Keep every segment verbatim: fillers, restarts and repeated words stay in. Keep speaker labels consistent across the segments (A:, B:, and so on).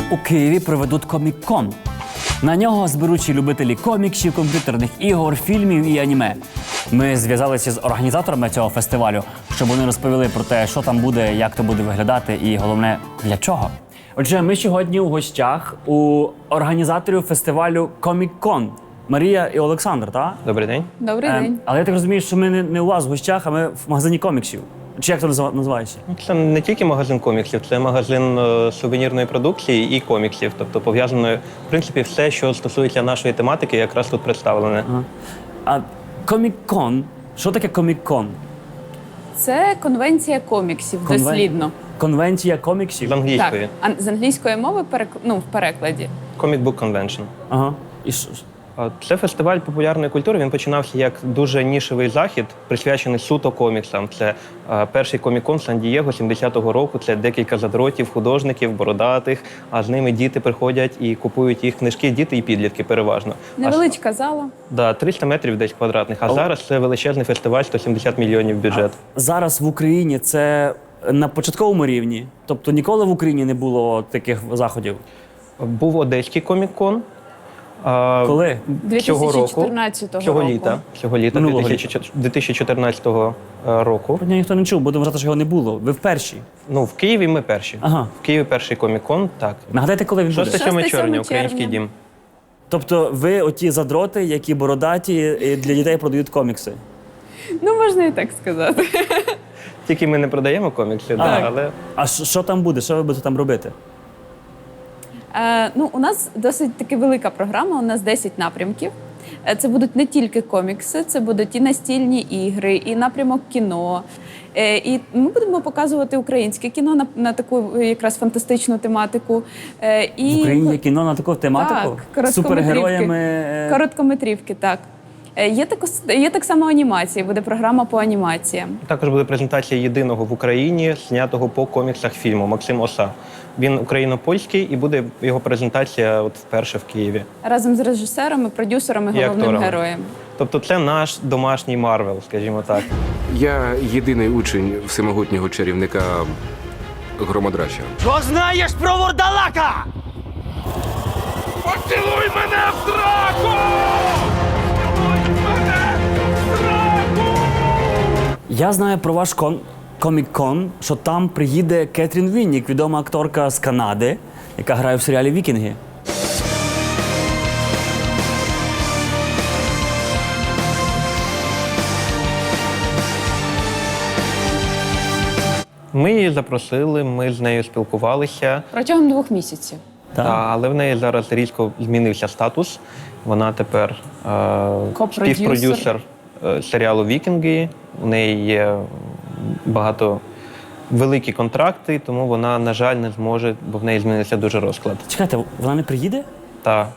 A: у Києві проведуть комік-кон. На нього зберуть любителі коміксів, комп'ютерних ігор, фільмів і аніме. Ми зв'язалися з організаторами цього фестивалю, щоб вони розповіли про те, що там буде, як то буде виглядати і, головне, для чого. Отже, ми сьогодні у гостях у організаторів фестивалю комік-кон. Марія і Олександр, так?
B: Добрий день.
C: Добрий
A: Ем,
C: день.
A: але я так розумію, що ми не, не у вас в гостях, а ми в магазині коміксів. Чи як це назва- називається?
B: Це не тільки магазин коміксів, це магазин е, сувенірної продукції і коміксів. Тобто пов'язано, в принципі, все, що стосується нашої тематики, якраз тут представлене.
A: Ага. А комік-кон, що таке комік-кон?
C: Це конвенція коміксів,
A: Конвен-
C: дослідно.
A: Конвенція коміксів?
B: З англійської.
C: Так, а з англійської мови перек... ну, в перекладі.
B: Comic Book Convention.
A: Ага. І що?
B: А Це фестиваль популярної культури. Він починався як дуже нішевий захід, присвячений суто коміксам. Це е, перший комік-кон Сан-Дієго сімдесятого року. Це декілька задротів, художників, бородатих, а з ними діти приходять і купують їх книжки, діти і підлітки переважно. А
C: Невеличка зала.
B: Да, триста метрів десь квадратних. А
A: О.
B: зараз це величезний фестиваль, сто сімдесят мільйонів бюджет.
A: Зараз в Україні це на початковому рівні? Тобто ніколи в Україні не було таких заходів?
B: Був одеський комік-кон. А,
A: Коли?
B: Цього року.
C: дві тисячі чотирнадцятого
B: Цього
C: року.
B: літа. Цього літа
A: Минулого
B: дві тисячі чотирнадцятого року.
A: Про нього ніхто не чув, будемо вважати, що його не було. Ви в першій.
B: Ну, в Києві ми перші.
A: Ага.
B: В Києві перший комік-кон, так.
A: Нагадайте, коли він буде?
B: шостого-сьомого
C: шостого-сьомого
B: червня, український
C: червня.
B: дім.
A: Тобто ви оті задроти, які бородаті і для дітей продають комікси?
C: Ну, можна і так сказати.
B: Тільки ми не продаємо комікси, да, але
A: А що що там буде? Що ви будете там робити?
C: Е, ну, у нас досить таки велика програма, у нас десять напрямків. Е, Це будуть не тільки комікси, це будуть і настільні ігри, і напрямок кіно. Е, І ми будемо показувати українське кіно на, на таку е, якраз фантастичну тематику. Е, І
A: В Україні є кіно на таку тематику?
C: Так, короткометрівки.
A: З супергероями? е,
C: Короткометрівки, так. Е, Є, тако, є так само анімації, буде програма по анімаціям.
B: також буде презентація єдиного в Україні, знятого по коміксах фільму Максим Оса. Він україно-польський і буде його презентація от вперше в Києві.
C: Разом з режисером і продюсером і
B: І
C: головним
B: акторами.
C: героєм.
B: Тобто це наш домашній Марвел, скажімо так.
D: Я єдиний учень всемогутнього чарівника Громодрача.
E: Що знаєш про вурдалака?
D: Поцілуй мене в драку! Поцілуй мене в драку!
A: Я знаю про ваш кон... комік-кон, що там приїде Кетрін Віннік, відома акторка з Канади, яка грає в серіалі «Вікінги».
B: Ми її запросили, ми з нею спілкувалися.
C: Протягом двох місяців.
A: Так.
B: Та, але в неї зараз різко змінився статус. Вона тепер е,
C: Копродюсер.
B: співпродюсер е, серіалу Вікінги. У неї є багато великі контракти, тому вона, на жаль, не зможе, бо в неї змінився дуже розклад.
A: Чекайте, вона не приїде?
B: Та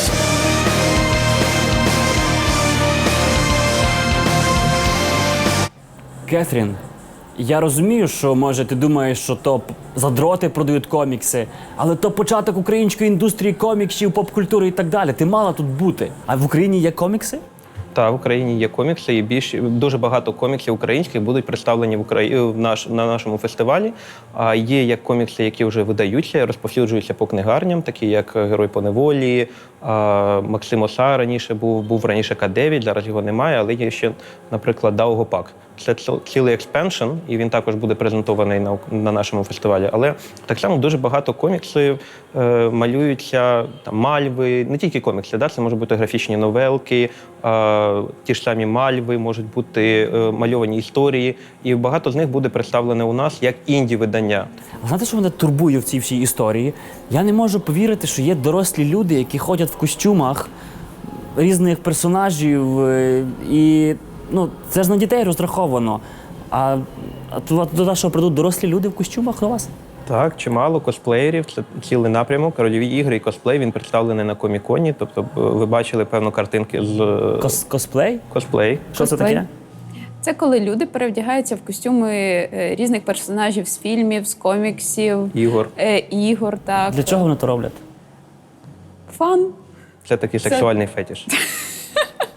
A: Кетрін, я розумію, що, може, ти думаєш, що то п- задроти продають комікси, але то початок української індустрії коміксів, поп-культури і так далі. Ти мала тут бути. А в Україні є комікси?
B: Та в Україні є комікси, і більш дуже багато коміксів українських будуть представлені в Украї... в наш... на нашому фестивалі. А є як комікси, які вже видаються, розповсюджуються по книгарням, такі як Герой по неволі, а, Максим Оса раніше був, був раніше К дев'ять, зараз його немає, але є ще, наприклад, Даугопак. Це ціл- цілий експеншн, і він також буде презентований на, на нашому фестивалі. Але так само дуже багато коміксів е, малюються, там, мальви, не тільки комікси, да? Це можуть бути графічні новелки, е, ті ж самі мальви, можуть бути е, мальовані історії. І багато з них буде представлене у нас як інді-видання.
A: А знаєте, що мене турбує в цій всій історії? Я не можу повірити, що є дорослі люди, які ходять в костюмах різних персонажів, е, і ну, це ж на дітей розраховано. А, а туди, туди що прийдуть дорослі люди в костюмах до вас?
B: Так, чимало косплеєрів, це цілий напрямок, рольові ігри і косплей, він представлений на коміконі. Тобто е, ви бачили, певно, картинки з е,
A: Кос, косплей?
B: косплей.
A: Що це
C: Косплей?
A: таке?
C: Це коли люди перевдягаються в костюми е, різних персонажів з фільмів, з коміксів,
B: Ігор.
C: е, ігор. Так.
A: Для чого вони то роблять?
C: Фан.
B: Це такий
C: Це-
B: сексуальний фетиш.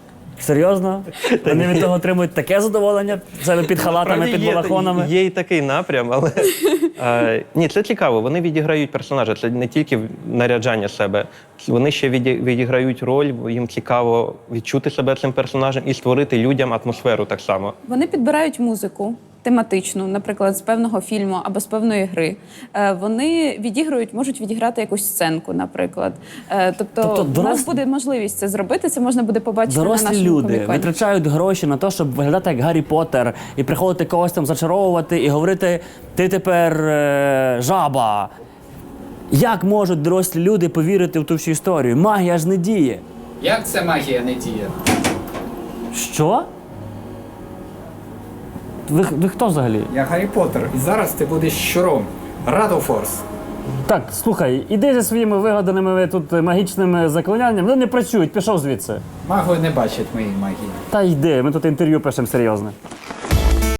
A: Серйозно? Вони від того отримують таке задоволення? Це під халатами,
B: Справді
A: під
B: є,
A: балахонами?
B: є і такий напрям, але е, ні, це цікаво. Вони відіграють персонажа. Це не тільки наряджання себе. Вони ще віді- відіграють роль, їм цікаво відчути себе цим персонажем і створити людям атмосферу так само.
C: Вони підбирають музику тематичну, наприклад, з певного фільму або з певної гри. Е, Вони відіграють, можуть відіграти якусь сценку, наприклад. Е, Тобто,
A: Тобто
C: в нас
A: дорос-
C: буде можливість це зробити. Це можна буде побачити на
A: Дорослі
C: нашому
A: люди
C: коміконі.
A: витрачають гроші на те, щоб виглядати як Гаррі Поттер і приходити когось там зачаровувати і говорити: ти тепер е, жаба. Як можуть дорослі люди повірити в ту всю історію? Магія ж не діє.
F: Як це магія не діє?
A: Що? Ви, ви хто взагалі?
F: Я Гаррі Поттер, і зараз ти будеш щуром. Радофорс.
A: Так, слухай, іди зі своїми вигаданими ви тут магічними заклинаннями. Вони не працюють, пішов звідси.
F: Маги не бачать моєї магії.
A: Та йди, ми тут інтерв'ю пишемо серйозне.